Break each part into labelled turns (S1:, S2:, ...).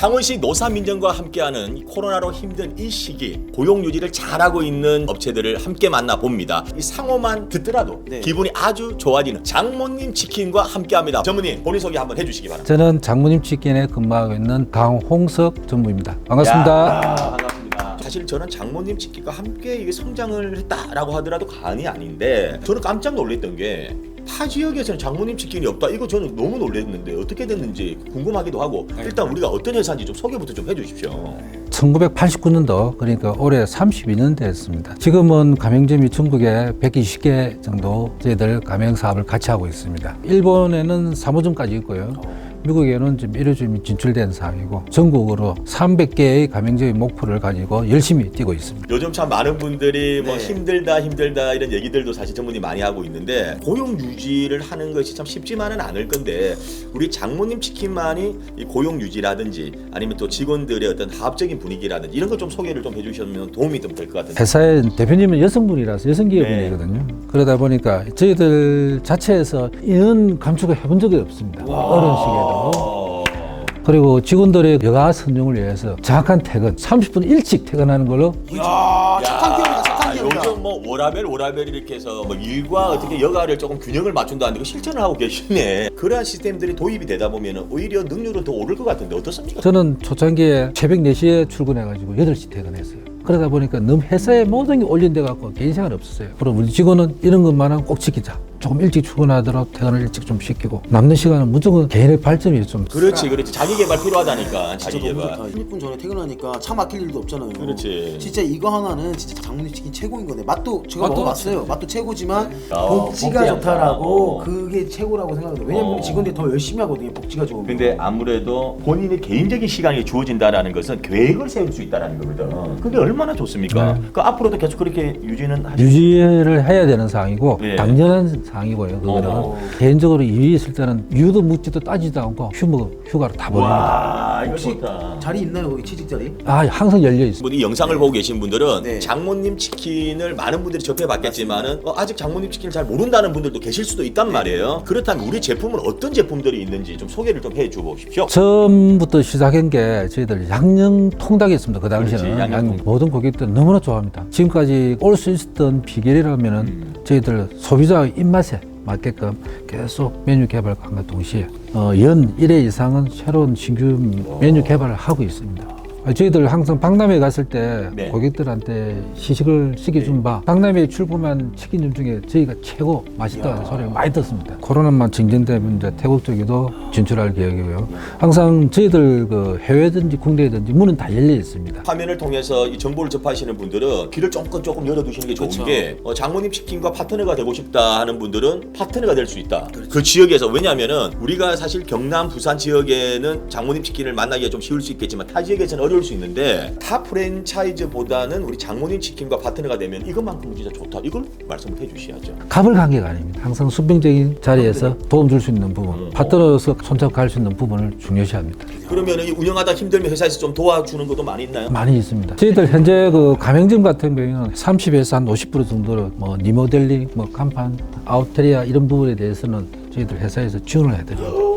S1: 창원시 노사민정과 함께하는 코로나로 힘든 이 시기 고용 유지를 잘하고 있는 업체들을 함께 만나봅니다. 이 상호만 듣더라도 기분이 아주 좋아지는 장모님 치킨과 함께합니다. 전무님 본인 소개 한번 해주시기 바랍니다.
S2: 저는 장모님 치킨에 근무하고 있는 강홍석 전무입니다. 반갑습니다.
S1: 반갑습니다. 사실 저는 장모님 치킨과 함께 이게 성장을 했다라고 하더라도 과언이 아닌데 저는 깜짝 놀랐던 게 타 지역에서는 장모님 치킨이 없다. 이거 저는 너무 놀랐는데 어떻게 됐는지 궁금하기도 하고 일단 우리가 어떤 회사인지 좀 소개부터 좀 해주십시오.
S2: 1989년도 그러니까 올해 32년 됐습니다. 지금은 가맹점이 전국에 120개 정도 저희들 가맹 사업을 같이 하고 있습니다. 일본에는 3호점까지 있고요. 미국에는 지금 1호점이 진출된 상황이고 전국으로 300개의 가맹점의 목표를 가지고 열심히 뛰고 있습니다.
S1: 요즘 참 많은 분들이 뭐 힘들다 이런 얘기들도 사실 전문이 많이 하고 있는데 고용 유지를 하는 것이 참 쉽지만은 않을 건데 우리 장모님 치킨만이 이 고용 유지라든지 아니면 또 직원들의 어떤 합적인 분위기라든지 이런 거 좀 소개를 좀 해주시면 도움이 좀 될 것 같은데.
S2: 회사의 대표님은 여성분이라서 여성기업인이거든요. 그러다 보니까 저희들 자체에서 인원 감축을 해본 적이 없습니다. 어려운 시기에도. 그리고 직원들의 여가 선용을 위해서 정확한 퇴근, 30분 일찍 퇴근하는 걸로.
S3: 이야, 착한 기업이다, 착한 기업이다.
S1: 요즘 뭐 워라벨 이렇게 해서 뭐 일과 어떻게 여가를 조금 균형을 맞춘다는 거 실천을 하고 계시네. 그러한 시스템들이 도입이 되다 보면 오히려 능률은 더 오를 것 같은데 어떻습니까?
S2: 저는 초창기에 새벽 4시에 출근해가지고 8시 퇴근했어요. 그러다 보니까 너무 회사에 모든 게 올린돼 갖고 개인 생활 없었어요. 그리고 우리 직원은 이런 것만은 꼭 지키자. 조금 일찍 출근하더라도 퇴근을 일찍 좀 시키고 남는 시간은 무조건 개인의 발전이 좀.
S1: 그렇지. 자기 개발 필요하다니까. 자기
S3: 진짜 너무
S1: 개발.
S3: 좋다. 30분 전에 퇴근하니까 차 막힐 일도 없잖아요.
S1: 그렇지.
S3: 진짜 이거 하나는 진짜 장모님 치킨 최고인 거네. 맛도 제가
S2: 맛도
S3: 먹어봤어요. 맛도 최고지만
S1: 복지가
S3: 복지가 좋다라고
S1: 좋다.
S3: 그게 최고라고 생각해요. 왜냐면 직원들이 더 열심히 하거든요. 복지가 좋으면.
S1: 근데 아무래도 본인의 개인적인 시간이 주어진다라는 것은 계획을 세울 수 있다는 거거든. 그게 얼마나 좋습니까? 그 앞으로도 계속 그렇게 유지는 하시죠?
S2: 유지를 해야 되는 사항이고
S1: 예.
S2: 당연한 사항이고요. 그거는 개인적으로 일이 있을 때는 이유도 묻지도 따지도 않고 휴가로 다 보냅니다.
S1: 와, 이거
S3: 혹시
S1: 좋다.
S3: 자리 있나요? 거기 취직 자리?
S2: 항상 열려 있습니다.
S1: 뭐 이 영상을 보고 계신 분들은
S3: 네.
S1: 장모님 치킨을 많은 분들이 접해봤겠지만은 아직 장모님 치킨을 잘 모른다는 분들도 계실 수도 있단 말이에요. 그렇다면 우리 제품은 어떤 제품들이 있는지 좀 소개를 좀 해줘 보십시오.
S2: 처음부터 시작한 게 저희들 양념 통닭이 있습니다. 그 당시에는
S1: 그렇지, 양념
S2: 모든 고객들 너무나 좋아합니다. 지금까지 올 수 있었던 비결이라면은 저희들 소비자 입맛에 맞게끔 계속 메뉴 개발과 동시에 연 1회 이상은 새로운 신규 메뉴 개발을 하고 있습니다. 저희들 항상 박람회 갔을 때
S1: 네.
S2: 고객들한테 시식을 시켜준 바 박람회에 출품한 치킨점 중에 저희가 최고 맛있다는 소리를 많이 듣습니다. 코로나만 진정되면 이제 태국 쪽에도 진출할 계획이고요. 항상 저희들 그 해외든지 국내든지 문은 다 열려 있습니다.
S1: 화면을 통해서 이 정보를 접하시는 분들은 귀를 조금 열어두시는 게 좋은
S3: 그쵸.
S1: 게 장모님 치킨과 파트너가 되고 싶다 하는 분들은 파트너가 될 수 있다. 그 지역에서 왜냐하면은 우리가 사실 경남, 부산 지역에는 장모님 치킨을 만나기가 좀 쉬울 수 있겠지만 타 지역에서는 어려울 수 있는데 타 프랜차이즈보다는 우리 장모님 치킨과 파트너가 되면 이것만큼 진짜 좋다. 이걸 말씀을 해주셔야죠.
S2: 갑을 관계가 아닙니다. 항상 수평적인 자리에서 도움 줄 수 있는 부분, 파트너로서 손잡갈 수 있는 부분을 중요시합니다.
S1: 그러면 이 운영하다 힘들면 회사에서 좀 도와주는 것도 많이 있나요?
S2: 많이 있습니다. 저희들 현재 그 가맹점 같은 경우에는 30에서 한 50% 정도로 뭐 리모델링, 뭐 간판, 아웃테리아 이런 부분에 대해서는 저희들 회사에서 지원을 해드립니다.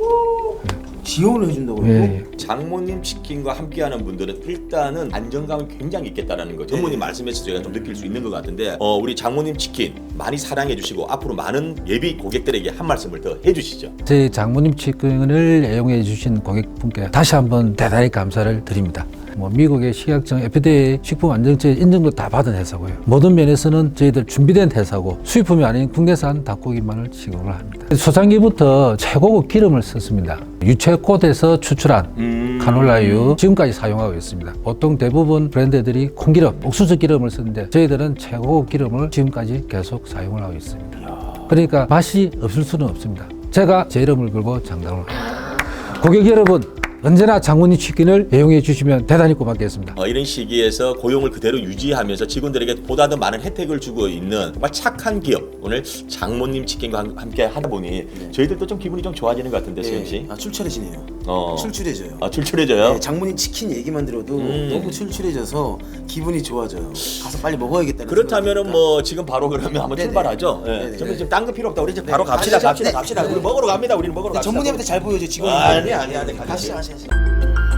S3: 지원을 해준다고요?
S2: 예.
S1: 장모님 치킨과 함께하는 분들은 일단은 안정감이 굉장히 있겠다라는 거 전무님 말씀해서 제가 좀 느낄 수 있는 것 같은데 우리 장모님 치킨 많이 사랑해 주시고 앞으로 많은 예비 고객들에게 한 말씀을 더 해주시죠.
S2: 저희 장모님 치킨을 애용해 주신 고객분께 다시 한번 대단히 감사를 드립니다. 뭐 미국의 식약청 FDA 식품안전처 인증도 다 받은 회사고요. 모든 면에서는 저희들 준비된 회사고 수입품이 아닌 국내산 닭고기만을 지급을 합니다. 초창기부터 최고급 기름을 썼습니다. 유채꽃에서 추출한 카놀라유 지금까지 사용하고 있습니다. 보통 대부분 브랜드들이 콩기름, 옥수수 기름을 쓰는데 저희들은 최고급 기름을 지금까지 계속 사용을 하고 있습니다. 그러니까 맛이 없을 수는 없습니다. 제가 제 이름을 걸고 장담을 합니다. 고객 여러분, 언제나 장모님 치킨을 애용해 주시면 대단히 고맙겠습니다.
S1: 이런 시기에서 고용을 그대로 유지하면서 직원들에게 보다 더 많은 혜택을 주고 있는 정말 착한 기업 오늘 장모님 치킨과 함께 하다 보니 저희들도 좀 기분이 좀 좋아지는 것 같은데 수영 씨.
S3: 출출해지네요. 출출해져요.
S1: 출출해져요?
S3: 네, 장모님 치킨 얘기만 들어도 너무 출출해져서 기분이 좋아져요. 가서 빨리 먹어야겠다는
S1: 그렇다면은
S3: 생각이
S1: 뭐 지금 바로 그러면 한번
S3: 네네.
S1: 출발하죠.
S3: 네네.
S1: 저는 지금 딴 거 필요 없다. 우리 이제
S3: 네.
S1: 바로 갑시다.
S3: 가시죠. 네.
S1: 우리 먹으러 갑니다. 우리는 먹으러
S3: 듭니다.
S1: 갑시다.
S3: 전문의한테 잘 보여줘 직원.
S1: 아니, 가시죠.
S3: 가시죠.